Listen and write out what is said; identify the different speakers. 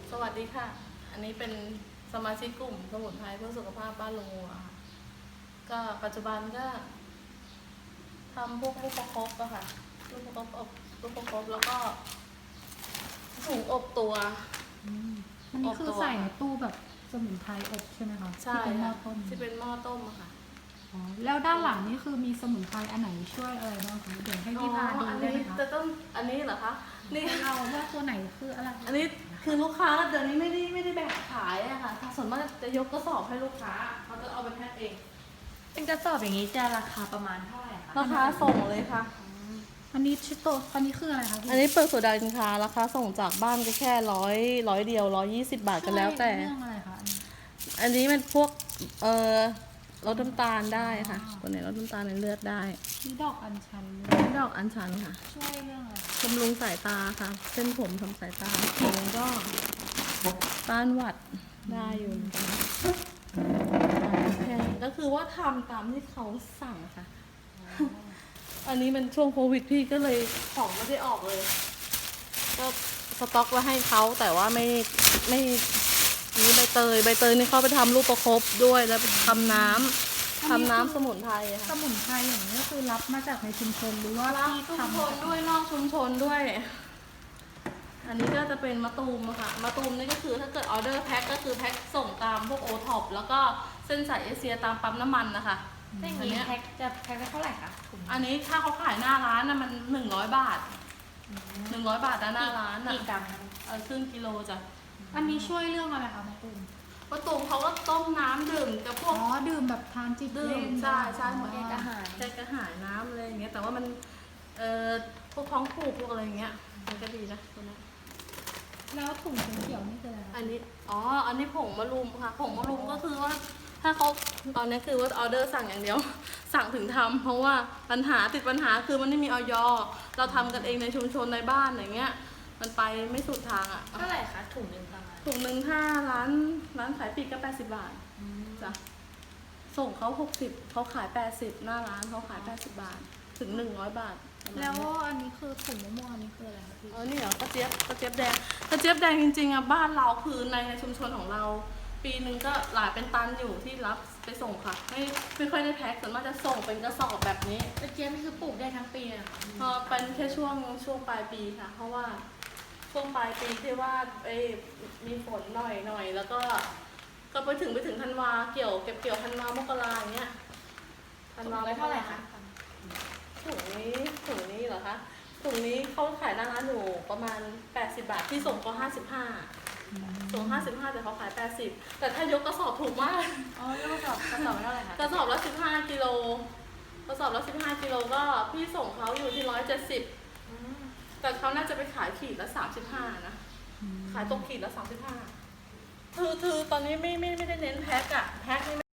Speaker 1: สวัสดีค่ะ อันนี้เป็นสมาชิกกลุ่มสมุนไพรเพื่อสุขภาพบ้านลุงวัวค่ะก็ปัจจุบันก็ทำพวกลูกประคบอะค่ะลูกประคบอบลูกประคบแล้วก็ถุงอบตัว
Speaker 2: อันนี้คือใส่ในตู้แบบสมุนไพรอบใช่ไหมคะ
Speaker 1: ใช่
Speaker 2: ที่เป็นหม้อต้ม
Speaker 1: ที่เป็นหม้อต้มอะค่ะ
Speaker 2: อ๋อแล้วด้านหลังนี่คือมีสมุนไพรอันไหนช่วยอะไรบ้างคะเดี๋ยวให้พี่พาดู
Speaker 1: อัน
Speaker 2: ได้
Speaker 1: นี้
Speaker 2: ไหมคะ
Speaker 1: จะต้องอันนี้เหรอคะนี่
Speaker 2: เราว่าตัวไหนคืออะไร
Speaker 1: อันนี้คือลูกค้าเดี๋ยวนี้ไม่ได้แบ่งขายอะค่ะส่วนมากจะยกกระสอบให้ลูกค้าเขาจะเอาไปแพ็คเอง
Speaker 3: เป็นกระสอบอย่างนี้จะราคาประมาณเท่าไหร่คะ
Speaker 1: ราคาส่งเลยค่ะ
Speaker 2: อันนี้ชิโตะอันนี้คืออะไรคะพี่
Speaker 1: อันนี้เปิดโซดาสินค้าราคาส่งจากบ้านก็แค่ร้อยเดียว120 บาทกันแล้วแต่
Speaker 2: เรื่องอะไรคะ
Speaker 1: อันนี้มันพวกลดน้ำตาลได้ค่ะตัวไหนลดน้ำตาลในเลือดได้
Speaker 2: นี่ดอกอัญชันเลย
Speaker 1: นี่ดอกอัญชันค่ะ
Speaker 2: ช่วยเรื่องอะไร
Speaker 1: บำรุงสายตาค่ะเส้นผมทำสายตาผมก็ต้านหวัดได้อยู่เหมือนกันก็คือว่าทำตามที่เขาสั่งค่ะ อันนี้มันช่วงโควิดพี่ก็เลยของไม่ได้ออกเลย ก็สต็อกไว้ให้เขาแต่ว่าไม่นี่ใบเตยนี่เขาไปทำลูกประคบด้วยแล้วไปทำน้ำสมุนไพรอะ
Speaker 2: ส
Speaker 1: ค่ะ
Speaker 2: มุนไพรอย่างนี้ก็คือรับมาจากในชุมชนหรือว่า
Speaker 1: รับ
Speaker 2: ที่
Speaker 1: ชุม
Speaker 2: ทำ
Speaker 1: ชนด้วยนอกชุมชนด้วย อันนี้ก็จะเป็นมะตูมอะค่ะมะตูมนี่ก็คือถ้าเกิดออเดอร์แพ็คก็คือแพ็คส่งตามพวกโอท็อปแล้วก็เส้นสายเอเชียตามปั๊มน้ำมันนะคะ
Speaker 3: ถ้าอย่าง
Speaker 1: อัน
Speaker 3: นี้
Speaker 1: เนี้ย
Speaker 3: แพ็คจะแพ็คได้เท่าไหร่คะถุง
Speaker 1: อันนี้ถ้าเขาขายหน้าร้านนะมัน100 บาท100 บาทนะหน้าร้านอะ
Speaker 3: กี่กรัมคะ
Speaker 1: ครึ่งกิโลจ้ะ
Speaker 2: อันนี้ช่วยเรื่องอะไรคะมะตูม
Speaker 1: มะตูมเขาก็ต้มน้ำดื่มกับพว
Speaker 2: อ๋
Speaker 1: ก
Speaker 2: อดื่มแบบทานจิบ
Speaker 1: ดื่ม
Speaker 2: เล่น
Speaker 1: ใช่เห
Speaker 2: เห
Speaker 1: มื
Speaker 2: มื
Speaker 1: อ
Speaker 2: อน น
Speaker 1: แก้
Speaker 2: แก้
Speaker 1: ก
Speaker 2: ก
Speaker 1: ระ
Speaker 2: ระ
Speaker 1: หา
Speaker 2: หาย ย
Speaker 1: ใจกระหายน้ำอะไรอย่างเงี้ยแต่ว่ามันพวกท้องผูกพวกอะไรอย่างเงี้ยมันก็ดีนะตัวนี้
Speaker 2: แล้วถุงเขียวๆนี่คืออะไรคะ
Speaker 1: อันนี้ผงมะรุมค่ะผงมะรุมก็คือว่าถ้าเขาตอนนี้คือว่าออเดอร์สั่งอย่างเดียว สั่งถึงทำเพราะว่าติดปัญหาคือมันไม่มีออยเราทำกันเองในชุมชนในบ้านอย่างเงี้ยมันไปไม่สุดทางอ่ะ
Speaker 3: เท่าไหร่คะถุงหนึ่งประมาณ
Speaker 1: ถุงหนึ่งถ้าร้านขายปลีกก็80 บาทจ้ะส่งเขา60เขาขาย80หน้าร้านเขาขาย80 บาทถึง100 บาท
Speaker 2: แล้วอันนี้คือถุงมะม่วงอันนี้คืออะไรคะพี่
Speaker 1: นี่เหรอกระเจี๊ยบแดงจริงๆอ่ะบ้านเราคือในชุมชนของเรา ปีหนึ่งก็หลายเป็นตันอยู่ที่รับไปส่งค่ะไม่ค่อยได้แพ็คส่วนมากจะส่งเป็นกระสอบแบบนี้
Speaker 3: กระเจี๊ยบนี่คือปลูกได้ทั้งปีเลยเหรอคะ
Speaker 1: พอเป็นแค่ช่วงปลายปีค่ะ เพราะว่าช่วงปลายปีที่ว่ามีฝนหน่อยแล้วก็ไปถึงธันวาเก็บเกี่ยวธันวามกราอย่างเงี้ยธันวา
Speaker 3: ได้เท่าไหร่คะ
Speaker 1: ถุงนี้เหรอคะถุงนี้เขาขายหน้าร้านอยู่ประมาณ80 บาทที่ส่งก็55ส่ง55แต่เขาขาย80แต่ถ้ายกกระสอบถูกมาก
Speaker 3: อ๋อแล้วกระสอบเท่าไหร่คะ
Speaker 1: กระสอบละ15 กิโลก็พี่ส่งเขาอยู่ที่170แต่เขาน่าจะไปขายขีดละ35นะขายตกขีดละ35คือตอนนี้ไม่ได้เน้นแพ็คอะแพ็คนี่